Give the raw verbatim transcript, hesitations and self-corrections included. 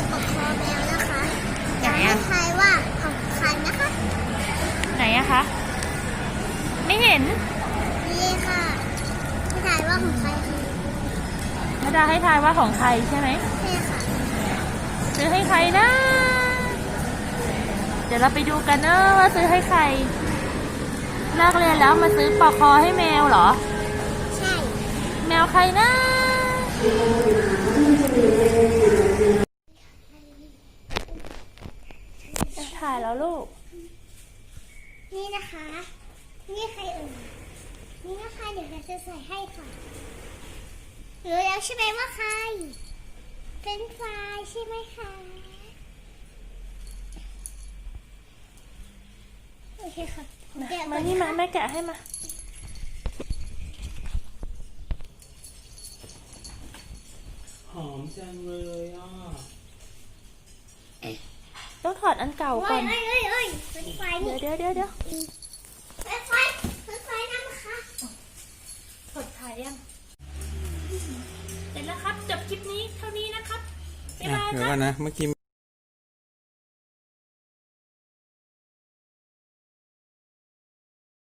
ปกครองแมวนะคะอยากให้ทายว่าของใครนะคะไหนอะคะไม่เห็นนี่ค่ะให้ทายว่าของใครคะนาดาให้ทายว่าของใครใช่ไหมใช่ค่ะซื้อให้ใครนะเดี๋ยวเราไปดูกันเนอะว่าซื้อให้ใครเลิกเรียนแล้วมาซื้อปลอกคอให้แมวเหรอใช่แมวใครนะถ่ายแล้วลูกนี่นะคะนี่ใครเอ่ยนี่นะคะเดี๋ยวเราจะใส่ให้ค่ะรู้แล้วใช่ไหมว่าใครเป็นไฟใช่ไหมคะโอเคค่ะมานี่มาแม่แกะให้มาหอมจังเลยอ่ะต้องถอดอันเก่าก่อนเอ้ยเอ้ยเอ้ยเป็นไฟนี่เดี๋ยวเดี๋ยวเดี๋ยวเป็นไฟเป็นไฟนั่นนะคะถอดถ่ายยังเสร็จแล้วครับจบคลิปนี้เท่านี้นะครับบ๊ายบายเดี๋ยวครัก่บอนนะเมื่อกี้